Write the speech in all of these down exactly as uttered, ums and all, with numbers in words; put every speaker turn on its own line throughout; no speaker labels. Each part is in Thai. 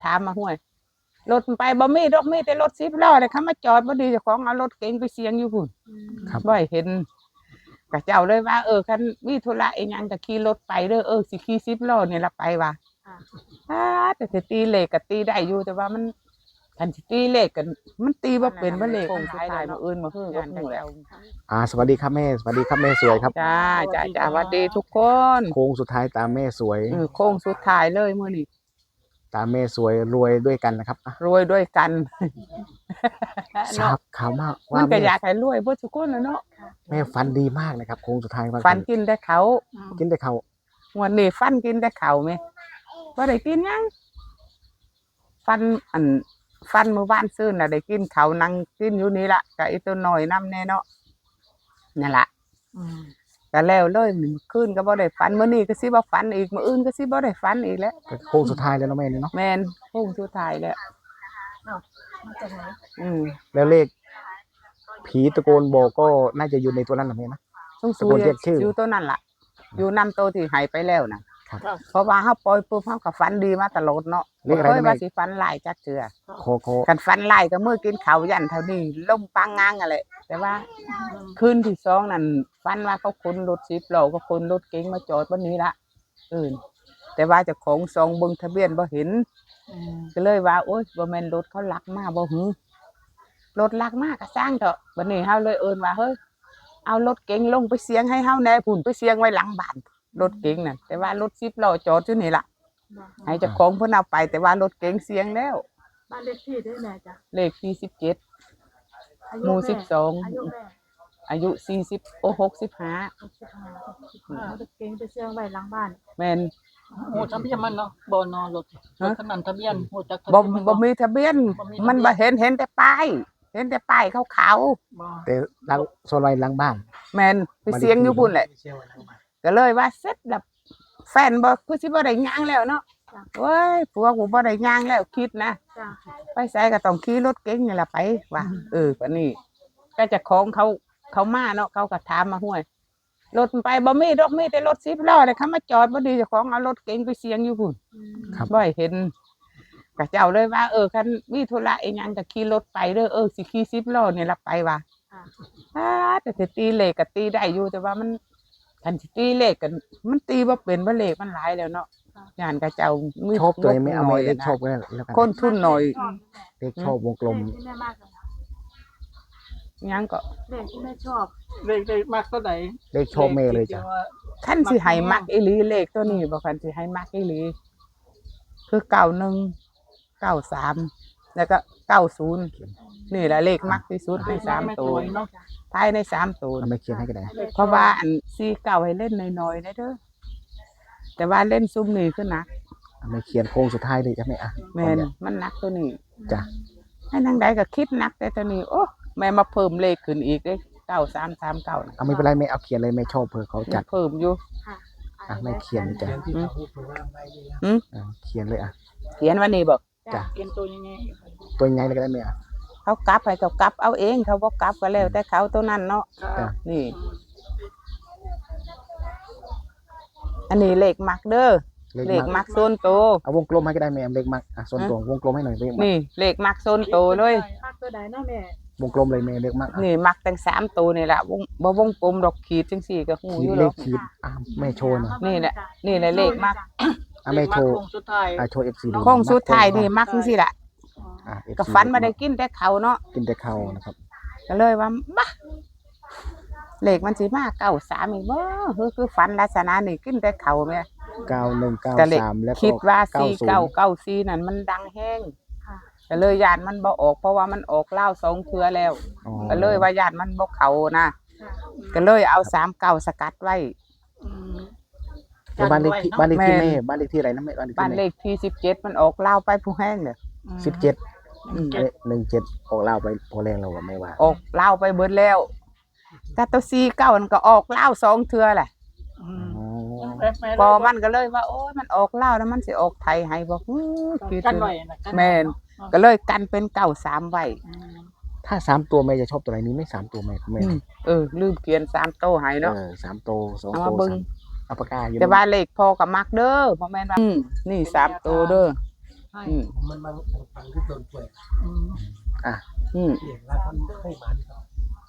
ถามมาห้วยรถไปบ่มีดอกมีแต่รถสิบล้อเลยเขามาจอดบ่ดีเจ้าของเอารถเก๋งไปเสียงอยู่พุ่นบ่เห็นกะเจ้าเลยว่าเออคันมีธุระอีหยังก็ขี่รถไปเด้อเออสิขี่สิบล้อนี่ล่ะไปว่าอ่าแต่สิตีเลขก็ตีได้อยู่แต่ว่ามันคันสิตีเลขกันมันตีบ่เป็นบ่เลขมันตายมื้ออื่นมื้อฮื้อก็ฮู้แล้ว
อ่าสวัสดีครับแม่สวัสดีครับแม่สวยครับ
จ้าจ้าจ้าสวัสดีทุกคน
โค้งสุดท้ายตามแม่สวย
เออโค้งสุดท้ายเลยมื้อนี้
ตามแม่สวยรวยด้วยกันนะครับ
รวยด้วยกัน
ทราบข่าวมาก
ว่ามันก็อยากให้รวยเบิดทุกคนน่ะเนาะ
แม่ฟันดีมากนะครับโค้งสุดท้าย
ฟันกินได้เขา
กินได้เขา
วันนี้ฟันกินได้เขาไหมบ่ได้กินยังฟันอันฟันเมื่อวานซื้อน่ะได้กินเขานั่งกินอยู่นี่ล่ะก็ไอ้ตัวน้อยนำแน่เนาะนั่นล่ะอืมก็แล้วเลยมื้อคืนก็บ่ได้ฝันมื้อนี้ก็สิบ่ฝันอีกมื้ออื่นก็สิบ่ได้ฝันอีกแล้ว
โค้งสุดท้ายแล้วเนาะแม่เนาะ
แม่นโค้งสุดท้ายแล้วอืม
แล้วเลขผีตะโกนบอกก็น่าจะอยู่ในตัวนั้นน่ะแม่นะ
ตะโกนเรียกชื่ออยู่ตัวนั้นล่ะอยู่นำโตที่หายไปแล้วน่ะเพราะว่าเฮาปล่อยปุ๊บเฮาก็ฝันดีมาตลอดเนาะบ่เคยว่าสิฝันหลายจักเทื่อ
โคๆ
คันฝันหลายก็มื้อกินข้าวยันเท่านี้ลมปังงางนั่นแหละแต่ว่าคืนที่สองนั่นฝันว่าเขาขนรถสิบล้อก็ขนรถเก๋งมาจอดวันนี้ละเออแต่ว่าเจ้าของซองเบิ่งทะเบียนบ่เห็นก็เลยว่าโอ๊ยบ่แม่นรถเขาลักมาบ่หือรถลักมาก็สร้างเถอะบัดนี้เฮาเลยเอิ้นว่าเฮ้ยเอารถเก๋งลงไปเสียงให้เฮาแน่พุ่นไปเสียงไว้หลังบ้านรถเก๋งน่ะแต่ว่ารถสิบล้อจอดอยู่นี่ล่ะให้เจ้าของเพิ่นเอาไปแต่ว่ารถเก๋งเสียงแล้ว
บ้านเลขที่ได้แม่จ้ะ
เลขที่สิบเจ็ดหมู่สิบสอง
อายุแม่
อายุสี่สิบโอ้หกสิบห้า
หกสิบห้าหกสิบห้าเอาเก๋งไปเชื่องไว้หลังบ้าน
แม่น
โหทะเบียนมันเนาะบ่นอรถรถคันนั้นทะเบียนโหจักทะ
บ่
เบียน
บ่มีทะเบียนมันบ่เห็นเห็นแต่ป้ายเห็นแต่ป้ายขาว
ๆแต่หลังโซนไว้หลังบ้าน
ๆแม่นไปเสียงอยู่พุ่นแหละก็เลยว่าเสร็จแล้วแฟนบ่คือสิบ่ได้ย่างแล้วเนาะโอ้ยผัวกูบ่ได้ย่างแล้วคิดนะไปไสก็ต้องขี่รถเก๋งนี่ล่ะไปว่าเออบัดนี้ก็จะของเขาเขามาเนาะเขาก็ถามมาห้วยรถไปบ่มีดอกมีแต่รถสิบล้อเลยเขามาจอดบ่ดีเจ้าของเอารถเก๋งไปเสียงอยู่พุ่นบ่เห็นก็เจ้าเลยว่าเออคันมีธุระอีหยังก็ขี่รถไปเด้อเออสิขี่สิบล้อนี่ล่ะไปว่าอ่าแต่สิตีเลขก็ตีได้อยู่แต่ว่ามันคันสิตีเลขกันมันตีบ่เป็นบ่เลขมันหลายแล้วเนาะย่านก็เจ้า
มีชอบตัวไม่เอาเลขชอบก็แล้วกัน
คนทุนน้อย
เลขชอบวงกลม
ยังก็
เลขที่แม่ชอบ
เลขได้มากเท่าใด
เลขชอบแม่เลยจ้ะ
คันสิให้มักอีหลีเลขตัวนี้บ่คันสิให้มักอีหลีคือเก้าหนึ่ง เก้าสามแล้วก็เก้าศูนย์นี่แหละเลขมักที่สุดในสามตัวภายในสามตัว
ไม่เขียนให้ก็ได้
เพราะว่าอันสี่เก้าให้เล่นน้อยๆได้เด้อแต่ว่าเล่นซุ่มนี่คือหนัก
ไม่เขียนโค้งสุดท้ายเลยจ้ะแม่อ่ะ
แม่นมันหนักตัวนี้
จ้ะ
ให้นางใดก็คิดหนักแต่ตัวนี้โอ้แม่มาเพิ่มเลขขึ้นอีกเด้เก้าสามสามเก้า
เอาไม่เป็นไรแม่เอาเขียนเลยแม่ชอบเผื่อเขาจัด
เพิ่มอยู่
อ่ะไม่เขียนจ้ะ
อืม
เขียนเลยอ่ะ
เขียนวันนี้บอก
จ้ะ
เขียนตัวยังไง
ตัวยังไงเลยก็ได้แม่
เขากลับให้เขากลับเอาเองเขาบ่กลับก็แล้วแต่เขาตัวนั้นเนาะนี่อันนี้เลขมักเด้อเลขมักโซนโต
เอาวงกลมให้ก็ได้แม่เลขมักอ่ะโซนโตวงกลมให้หน่อยเลขมัก
นี่เลขมักโซนโตเลย
มักตัวใดเนาะแม่
วงกลมเลยแม่เลขมัก
นี่มักตั้งสามตัวนี่แหละวงบ่วงกลมดอกขีดจังสี่ก็ฮู้อยู่
เลขขีดอ่ะแม่โชว์หน่อย
นี่แหละนี่แหละเลขมัก
อ่ะแม่โชว์
โค้งสุดท้าย
อ่ะโชว์ เอฟ ซี ดู
โค้งสุดท้ายนี่มักจังซี่ล่ะก็ฝันมาได้กินแต่เขาเนาะ
กินแต่เขานะครับ
ก็เลยว่าบ่เลขมันสิมาเก้าสามอีกบ่คือคือฝันลักษณะนี่กินแต่เขาแม่
เก้าหนึ่ง เก้าสามแล้วก็
คิดว่าสี่เก้า เก้าสี่นั่นมันดังแห้งก็เลยญาติมันบ่ออกเพราะว่ามันออกเล่าสองเทื่อแล้วก็เลยว่าญาติมันบ่เข้านะก็เลยเอาสามเก้าสกัดไว้
บ้านเลขที่บ้านเลขที่แม่บ้านเลขที่อะไรนะแม่
บ้านเลขที่สิบเจ็ดมันออกเล่าไปผู้แห้งเด้อ
สิบเจ็ดหนึ่งเจ็ดออกเล่าไปพอแรงเราก็ไม่ว่า
ออกเล่าไปเบิดแล้วแต่ตัวสี่เก้ามันก็ออกเล่าสองเทื่อแหละพอมันก็เลยว่าโอ้ยมันออกเล่าแล้วมันสิออกไทยให้บอก
กันไว้
แม่นก็เลยกันเป็นเก้าสามไว้
ถ้าสามตัวแม่จะชอบตัวไหนนี้ไม่สามตัวแม่แม่
เออลืมเขียนสามโตให้เนาะ
เออสามโตสองโตสามเอาปากกาอยู่
แต่ว่าเลขพอกับมักเด้อพ่อแม่นว่านี่สามโตเด้อ
ให้
อืม
มันบางฟังที่ต้นป่วย
อืม
อืม
เลี้ยงแล้วมันเคยมาดีกว่า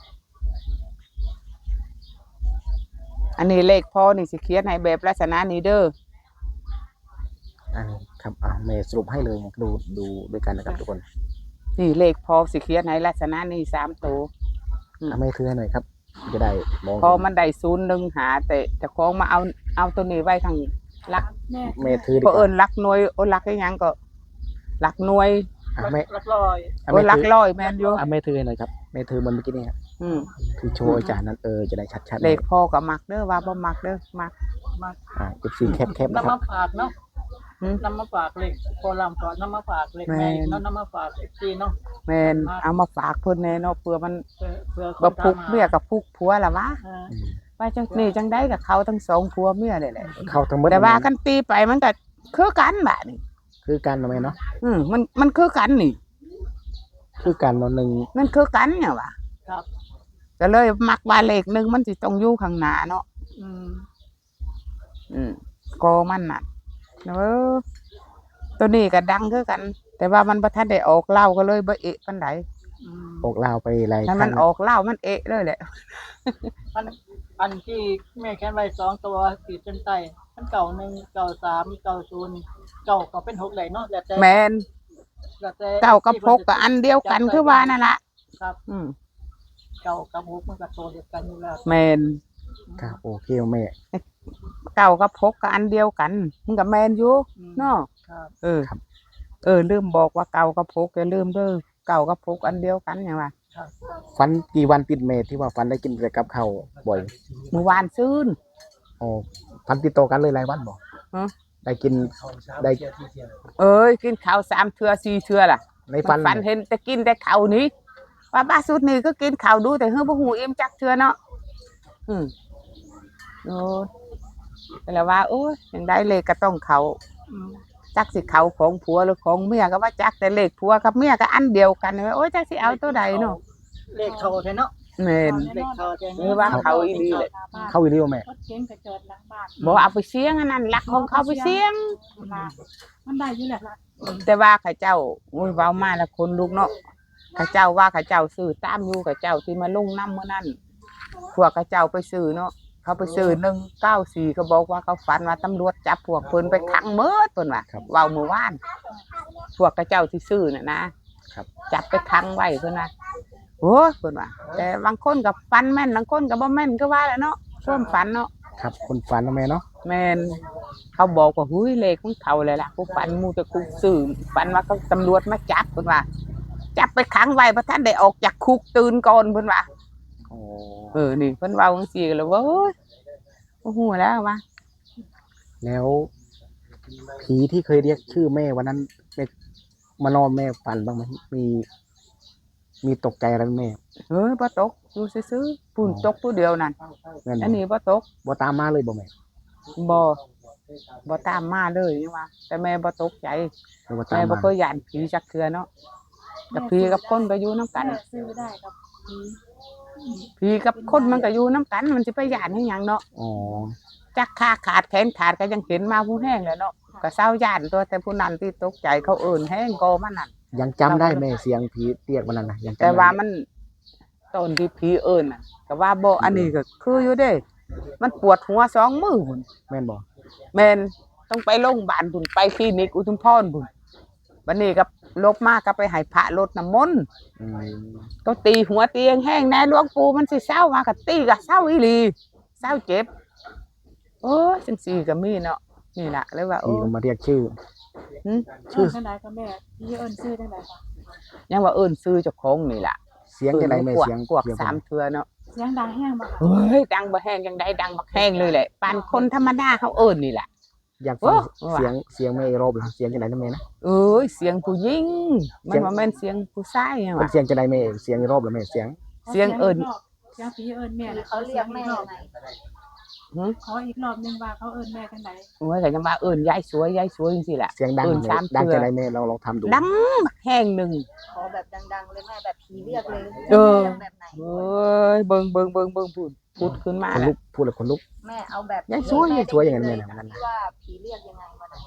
อันนี้เลขพ่อนี่สิเขียนให้แบบลักษณะนี้เด้อ
อันนี้ครับอ่ะแม่สรุปให้เลยดูดูด้วยกันนะครับทุกคน
นี่เลขพ่อสิเขียนให้ลักษณะนี้สามตัว
อ่ะแม่ถือให้หน่อยครับจะได้มอง
พอมันได้ศูนย์หนึ่งหาแต่แต่ของมาเอาเอาตัวนี้ไว้ทางหลัก
แม่
แม่ถือดี
เพ
ก
ราะเอิ
ว่า
ญลักหน่วยโอ้ลักได้ยังก็ลักหน่วย
อ่ะแม่
รักลอย
อ่ะ
โอ้
แม่
ลัก
ถือ
ร้อยแม่นอยู่
อ่ะแม่ถือให้หน่อยครับแม่ถือมันเมื่อกี้นี่ครับ
อืม
คือโชว์อาจารย์นั้นเออจะได้ชัดๆ
เลขพ่อก็มักเด้อว่าบ่มักเด้อมัก
มา
อ่าเอฟซีแคบแคบนะ
นำ
ครั
มา
บ
ฝากเนาะ
หืม
นำมาฝากเลขโคลามก่อนนำมาฝากเลขแม่อีกเนาะนำมาฝากเอฟซีเนาะ
แม่นเอามาฝากเพิ่นแน่เนาะเผื่อมัน
เพื่อเพื่อ
บ่พุกเมียกับพุกผัวล่ะวะ
เออ
อืม
ว่าจังนี่จังได้กับเขาทั้งสองผัวเมียเลยแหละ
เข้าทั้งหมด
แต่ว่ากันตีไปมันก็คือกันบาดนี่
คือการมาไหมเนาะ
อืมมันมันคือกันนี่
คือการนอนหนึ่ง
มันคือกันเนี่ยว่ะ
ครับ
ก็เลยมักว่าเลขหนึงมันสิต้องอยู่ข้างหน้าเนาะ
อืม
อืมโกมันน่ะเออตัวนี้ก็ดังคือกัน แต่ว่ามันบ่ทันได้ออกเหล้าก็เลยบ่เอะปานใด
อืม
ออกลาวไปหลาย
ถ้า
ค
มั
รั้
น
ง
ออกเหล้ามันเอะเลยแหละ
อันอันที่แม่แค้นไว้สองตัวขีดเส้นใต้มันเก่าหนึ่งเก่าสามเก่าศูนย์เก่าก็เป็นหกไหลเนาะแล้วแต่
แม่น
แล้วแต่
เก้ากับพกก็อันเดียวกันคือว่านั่นล่ะ
ครับ
อืม
เก่ากับหกมันก็โตเดียวกันอยู่แล้ว
แม่น
ครับโอเคแม่
เก้ากับพกก็อันเดียวกันมันก็แม่นอยู่
อืม
เนาะ
ครับ
เออ เออลืมบอกว่าเก่ากับพกอย่าลืมเด้อเก่ากับพกอันเดียวกันอย่างว่า
ครับ
ฟันกี่วันติดแม่ที่ว่าฟันได้กินแต่กับข้าวบ่อย
เมื่อวานซื้น
อ๋อฟันติดต่อกันเลยหลายวันบ่
ฮะ
ได้กิน
เขาสาม
ได้
เที่ยวที่เที่ยว
เอ้ยกินข้าวสามเทื่อสี่เทื่อล่ะ
ในฟัน
ฟันเห็นแต่กินแต่ข้าวนี้ว่าบ้าสุดนี่ก็กินข้าวดูแต่เฮือบ่หูอิ่มจักเทื่อเนาะอืมโอ้ยแต่ละว่า โอ้ยยังได้เลขก็ต้องเขา
อืม
จักสิเขาของผัวหรือของเมียก็ว่าจักแต่เลขผัวกับเมียก็อันเดียวกันโอ้ยจักสิเอาตัวใดเนาะ
เลขเขาแท้เนาะ
แม่น
เลขเขาแท้
หรือว่าเขาอีหลีเลย
เข้าอีเดียวแม่
รถเก๋งกระจอดหลังบ้าน
บ่เอาไปเสี่ยงอันนั้นลักของเขาไปเสี่ยง
ลามันได้อยู่แหละล่ะ
แต่ว่าข้าเจ้าโอ้ยเว้ามาแล้วคนลุกเนาะข้าเจ้าว่าข้าเจ้าซื้อตามอยู่ข้าเจ้าที่มาลงน้ำเมื่อนั้นพวกข้าเจ้าไปซื้อเนาะเขาไปซื้อหนึ่งเก้าสี่ก็บอกว่าเขาฝันว่าตำรวจจับพวกเพิ่นไปขังเมิดเพิ่นว่าเว้าเมื่อวานพวกข้าเจ้าที่ซื้อน่ะนะครับ จับไปขังไว้เพิ่นว่าโอ้ยเพิ่นว่าแต่บางคนก็ฝันแม่นบางคนก็บ่แม่นก็ว่าแหละเนาะส่วนฝันเนาะ
ครับคนฟันนะแม่เนาะ
แม่นเขาบอกว่าหุ้ยเลขของเขาเลยล่ะกูฝันมูแต่กูซื้อฝันว่าเขาตำรวจมาจับเพิ่นว่า จับไปขังไว้เพราะท่านได้ออกจากคุกตื่นก่อนเพิ่นว่า
อ๋อ
เออนี่เพิ่นเว้าจังซี่ก็เลยว่าโอ้ยโอ้โหแล้วว่า
แล้วผีที่เคยเรียกชื่อแม่วันนั้นแม่มานอนแม่ฝันบ้างไหมมี มีตกใจอะไรไหมแม่
เฮ้ยบ่ตกอยู่ซื่อๆปุ่นตกตัวเดียวนั่น
แม่น
อัน
บ่
นี้บ่ตก
บ่ตามมาเลยบ่แม่
บ่บ่ตามมาเลยนี่ว่าแต่แม่บ่ตกใจ
หรือว่าตา
แม่
ม
บ่
มา
เคยย่านผีจักเทื่อเนาะแต่ผีกับคนก็อยู่นํกัน
แม่ซื้อได้กับผี
ผีกับคนมันก็อยู่นํกันมันสิไปย่านให้หยังเนาะ
อ๋อ
จักขาขาดแขนขาดก็ยังเห็นมาผู้แห้งแหล้วเนาะก็เศร้าย่านตัวแต่ผู้นั้นที่ตกใจเขาเอิ่นแห้งโกมันนั่น
ยังจำได้แม่เสียงผีเรียกวันนั้นนะยังจำ
แต่
ได้
ว่ามันตอนที่ผีเอิ่นน่ะก็ว่าบ่อันนี้ก็คืออยู่เด้ มันปวดหัวสองมือพุ่น
แม่นบ่
แม่นต้องไปโรงพยาบาลพุ่นไปคลินิกอุทุมพรพุ่นบัดนี้ก็ลบมาก็ไปให้พระรดน้ำมนต์
อืม
ก็ตีหัวเตียงแห้งแน่หลวงปู่มันสิเศร้ามาก็ตีก็เศร้าอีหลีเศร้าเจ็บโอ้ยจังซี่ก็มีเนาะนี่ล่ะเลยว่าโอ้
ผีก็มาเรียกชื่อ
หึ
ชื่อจังไดก็แม่พี่เอิ้นชื่อจังไดค่ะ
ยังว่าเอิ้นซื้อเจ้าของนี่ล่ะ
เสียงจะไหนแม่
กวก
เสียง
กวก
เสียง
สามเทื่อเนาะ
เสียงดังแห้งบ่ค่ะ
เฮ้ยดังบ่แห้งจังไดดังบักแห้งเลยแหละปานคนธรรมดาเขาเอิ้นนี่แหละ
อยากฟัง
โอ้
เสียงเสียงแม่อีกรอบเหรอเสียงจะไหนนะแม่นะ
เอ้ยเสียงผู้หญิงมันบ่แม่นเสียงผู้ชายหยัง
เป็น
วะ
เสียงจะไหนแม่เสียงอีกรอบเหรอแม่เสียง
เสียงเอิ้น
เสียงผีเอิ้นแม่น่ะ
เขาเรียกแม่ยังไง
หึ
ขออีกรอบนึงว่าเขาเอิ้นแม่จังได
โอ้ยก็ยังว่าเอิ้นยายสวยยายสวยจังซี่แหละ
เสียงดัง
เอิ้น
แม่
สาม
ดัง
เทื่อ
จะไหนแม่เราลองทำดู
ดังบักแห้งหนึง
ขอแบบดังๆเลยแม่แบบผีเรียกเลย
เออ
รียกแบบไหน
เอ้ยเบิ่งเบิ่งเบิ่งเบิ่งพูดพูดขึ้นมา
คน
แล้
ลุ
ว
กพูดแล้วคนลุก
แม่เอาแบบ
ยายสวย
แม่
สวยอย่างนั้น
ได้
แม่
ยิ
นะ
ที่ว่าผีเรียกยังไงวันนั้น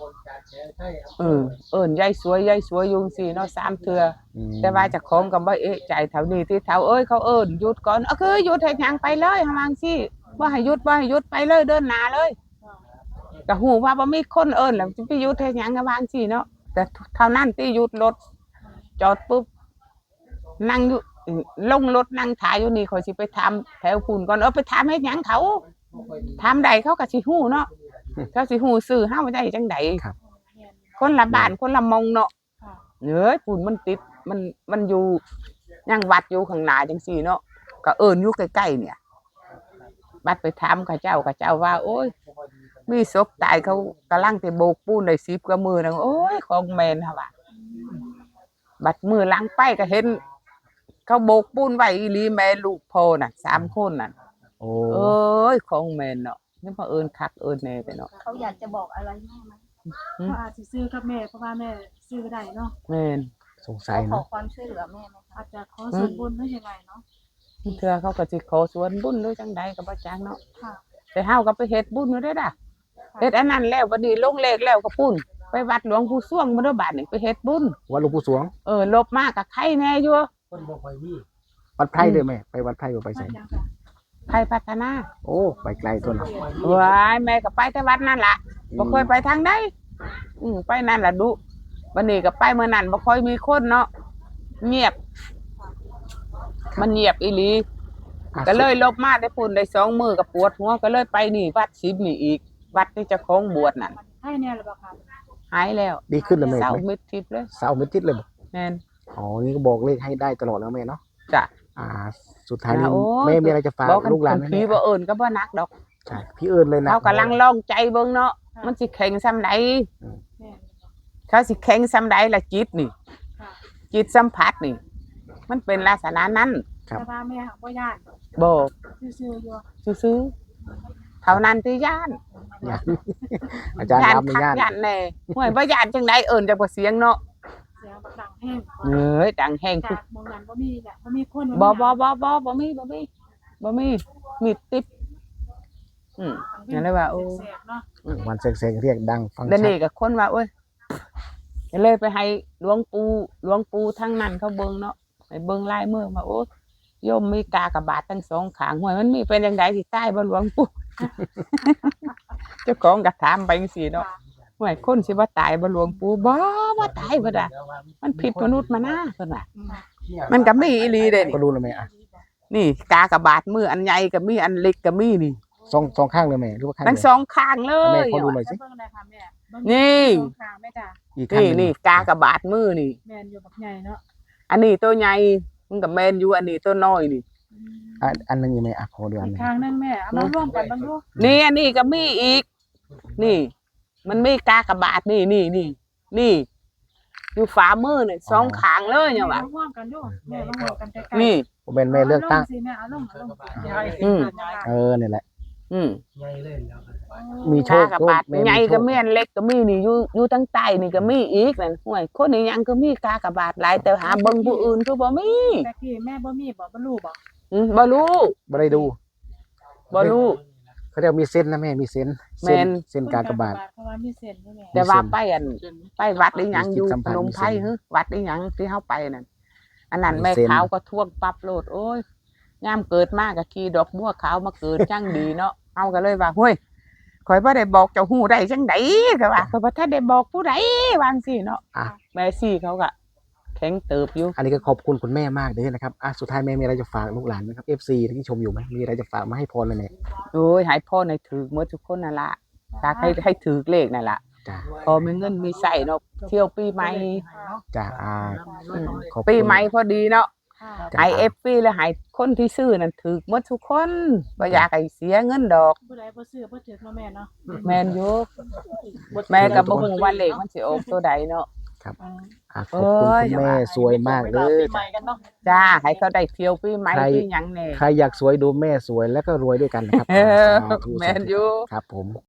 เออเอิ้นยายสวยยายสวยอยู่จั่งซี้เนาะสามเทื่อ
อืม
แต่ว่าเจ้าของก็บ่เอะใจเท่านี้ที่เฒ่าเอ้ยเขาเอิ้นหยุดก่อนเออคือหยุดเฮ็ดหยังไปเลยเฮาว่าจั่งซี้บ่ให้หยุดบ่ให้หยุดไปเลยเดินหน้าเลยก็ฮู้ว่าบ่มีคนเอิ้นแล้วสิไปหยุดเฮ็ดหยังก็ว่าจั่งซี้เนาะแต่เท่านั้นที่หยุดรถจอดปุ๊บนั่งอยู่ลงรถนั่งถ่ายอยู่นี่ข่อยสิไปถามแถวพุ่นก่อนเออไปถามเฮ็ดหยังเขาถามใดเขาก็สิฮู้เนาะเขาสิฮู้ชื่อเฮาได้จังได๋คนละบ้านคนละหม่องเนาะ เอ้ยปุ่นมันติดมันมันอยู่ยังวัดอยู่ข้างหน้าจังซี่เนาะก็เอิ้นอยู่ใกล้ๆเนี่ยบัดไปถามเขาเจ้าเขาเจ้าว่า โอ้ยมีศพตายเขากำลังสิโบกปูนได้สิบกว่ามื้อนึงโอ้ยของแม่นหั่นว่าบัดมื้อหลังไปก็เห็น เขาโบกปูนไว้อีหลีแม่ลูกพ่อน่ะสามคนน่ะ
โอ้
เอ้ยของแม่นเนาะนี่พอเอิ้นคักเอิ้นแน่ไปเนาะ
เขาอยากจะบอกอะไรแม่ไหม
เขาอาจสิซื้อกับแม่เพราะว่าแม่ซื้อได้เนาะ
แม่น
สงสัย
เขาขอ
เนาะ
ความช่วยเหลือแม่ไหมคะ
อาจจะขอส่วนบุญหรือยังไงเนาะ
เทื่อเขาก็สิขอส่วนบุญหรือจังใดก็บ่จักเนาะ
ค่ะ
แต่เฮาก็ไปเฮ็ดบุญอยู่ได้อด่ะเฮ็ดอันนั้นแล้วบัดนี้ลงเลขแล้วก็ปุ้นไปวัดหลวงปู่สวงบ่ได้บาดนี่ไปเฮ็ดบุญ
วัดหลวงปู่สวง
เออลบมาก็ไข่แน่อยู่
คนบ่ค่อยมี
วัดไพร่เลยแม่ไปวัดไพร่ก็ไป
ว่า
ใส่
จังค่ะ
ไข่พัฒนา
โอ้ไปไกลตัวเนาะ
ว้ายแม่ก็ไปแต่วัดนั่นล่ะบ่เคยไปทางใดอือไปนั่นล่ะดุบัดนี้ก็ไปเมื่อนั้นบ่ค่อยมีคนเนาะเงียบ มันเงียบอีหลี
อ่ะ
ก็เลยลบมาได้ปุ่นได้สองมื้อก็ปวดหัวก็เลยไปนี่วัดสิบนี่อีก วัดที่เจ้าของบวชนั่น
ให้แน่หรือเปล่าคะ
หายแล้ว
ดีขึ้นแล้วแม่
เศร้า
ไหม
มิดทิพย์เลย
เสาร์ไม่ติดเลยบ่
แม่น
อ๋อนี่ก็บอกเลขให้ได้ตลอดแล้วแม่เนาะ
จ้ะ
อ่า สุดท้ายนี้
โอ้ย
แม่มีอะไรจะฝาก
บอกกัน
ลูกหลานไหม
ผี
แม่
บ่เอิ้นก็บ่นักดอก
ใช่พี่เอิญเลยนะ
เขากำลังลองใจเบิ่งเนาะมันสิแข็งซำใด
แม่
เขาสิแข็งซำใดล่ะจิตนี่
ค่ะ
จิตสัมผัสนี่ มันเป็นลักษณะนั้น
แต่ว่าแม่บ่ย่าน
บ่
ซื่อๆอยู่
ซื่อๆเท่านั้นที่ย่าน
ย่าน อาจารย์
ย่าน
รำใน
คัก
ย่าน
ย่านแน่ห่วยบ่ย่านจังไดเอิ้นจักบ่เสียงเนาะ
เสียงบักดังแห้ง
เอ้ยดังแฮง
จากมองนั้นบ่มีแหละบ่มีคน
บ่บ่บ่บ่บ่มีบ่มีบ่มีมีติดอืมนั่นเลยว่าโอ้
แสบๆเนาะ
วันเสงๆเรียกดังฟัง
เดี๋ยว
ชั
นี้
ด
ก็คนว่าโอ้ยก็เลยไปให้หลวงปู่หลวงปู่ทั้งนั้นเขาเบิ่งเนาะให้เบิ่งลายมือมาโอ้ยโยมมีกากบาททั้งสองข้างห้วยมันมีเป็นจังไดสิตายบ่หลวงปู่ เจ้าของก็ถามไปจังซี่เนาะห้วยคนสิบ่ตายบ่หลวงปู่บ่บ่ตายบ่ดะมันผิดมนุษย์มานะเพิ่นว่ามันก็มีอีหลีเด้
ก็
นี่
รู้แล้วแม่อ่ะ
นี่กากบาทมืออันใหญ่ก็มีอันเล็กก็มีนี่
สองสองข้างเลยแม่หรือว่าข้าง
ทั้ง
เดียว
สองข้างเล
แม่
ย
ขอดูหน่อยสิ
เบิ่งได้ค่ะแม่เบิ่ง
นี่
สองข้างแม่จ้ะ
อีกข้าง
นี่
หนึ่ง
นี่กากบาทมือนี่
แม่นอยู่บักใหญ่เนาะ
อันนี้ตัวใหญ่มันก็แม่นอยู่อันนี้ตัวน้อยนี่
อืม
อ่ะอันหนึงยังไงอ่ะขอดูอัน
อี
ห
ก
นึง
ข้างนึงแม่เอามาร่วมกันเบิ่งดู
นี่อันนี้ก็มีอีก นี่ มันมีกากบาทนี่นี่นี่นี่ อยู่ฝ่ามือนี่สองข้างเลยเนี่ยว่ะ
มาร่วมกันดูแม่มาร่วมกันใกล้ๆ
นี่
ผมเป็นแม่เลือกตั้ง
าลสิแม่เอาลงเอาลงสิ
อืม
เออเนี่ยแหละ
อืม
ใหญ่เลยแล้วครับ
มีโช
กา
ค
กบาท
แม่มี
ใหญ่
โช
ก็
ค
มีอันเล็กก็มีนี่อยู่อยู่ทั้งใต้นี่ก็มีอีกนั่นห่วยคนนี้ยังก็มีกากบาทหลายแต่หาเบิ่งผู้อื่นคือบ่มี
แต่กี้แม่บ่มีบ่บ่รู้บ่
อืมบ่รู้
ไม่ได้ดู
บ่รู้
เขาเรียกมีเส้นนะแม่มีเส้น
แม่น
เส้นกากบาท
เพราะว่ามีเส้นด้วยแม่
แต่ว่าไปอันไปวัดอีหยังอยู่
มีจิตสัม
พ
พันธ์
นมไพร
มีเส้น
ฮึวัดอีหยังที่เฮาไปนั่นอันนั้น
มี
แม่
เส้น
ขาวก็ท่วงปรับโลดโอ้ยยามเกิดมาก็ขี่ดอกบัวขาวมาเกิดจังดีเนาะเฮาก็เลยว่าห้วยข่อยบ่ได้บอกเจ้าฮู้ได้จังได๋ก็ว่าข่อยบ่ทันได้บอกผู้ใดว่าจังซี่เนาะ
อ่ะ
แม่ซี่เขาก็แข็งเติบอยู่
อันนี้ก็ขอบคุณคุณแม่มากเลยนะครับอ่ะสุดท้ายแม่มีอะไรจะฝากลูกหลานไหมครับ เอฟ ซี ที่ชมอยู่ไหมมีอะไรจะฝากมาให้พรเลยแม่
โอ้ยให้พ่อในถือหมดทุกคนนั่นล่ะฝากให้ให้ถือเลขนั่นล่ะ
จ้า
พอมีเงินมีใช้เนาะเที่ยวปีใหม่
จ้าอ่า
อืม
ขอบคุณ
ปีใหม่พอดีเนาะ
ค่ะ
จ้ะ
ไอเอฟฟีแล้วให้คนที่ซื้อนั่นถือหมดทุกคนบ่อยากให้เสียเงินดอก
ผู้ใดบ่ซื้อบ่ถือเนาะแม่เนาะ
แม่นอยู่แม่ก็บ่ฮู้ว่าเลขมันสิออกตัวใดเนาะ
อืม
อ่ะขอบคุณ
เอ้ย
คุณแม่สวยมากเล
ปี
ย
ใหม่กันเนาะ
จ้าให้เขาได้เที่ยวปีใหม่
ใคร
ปีหยังแน่
ใครอยากสวยดูแม่สวยแล้วก็รวยด้วยกันนะครับ
เออ
สาธุ
แม่นอยู่
ครับผม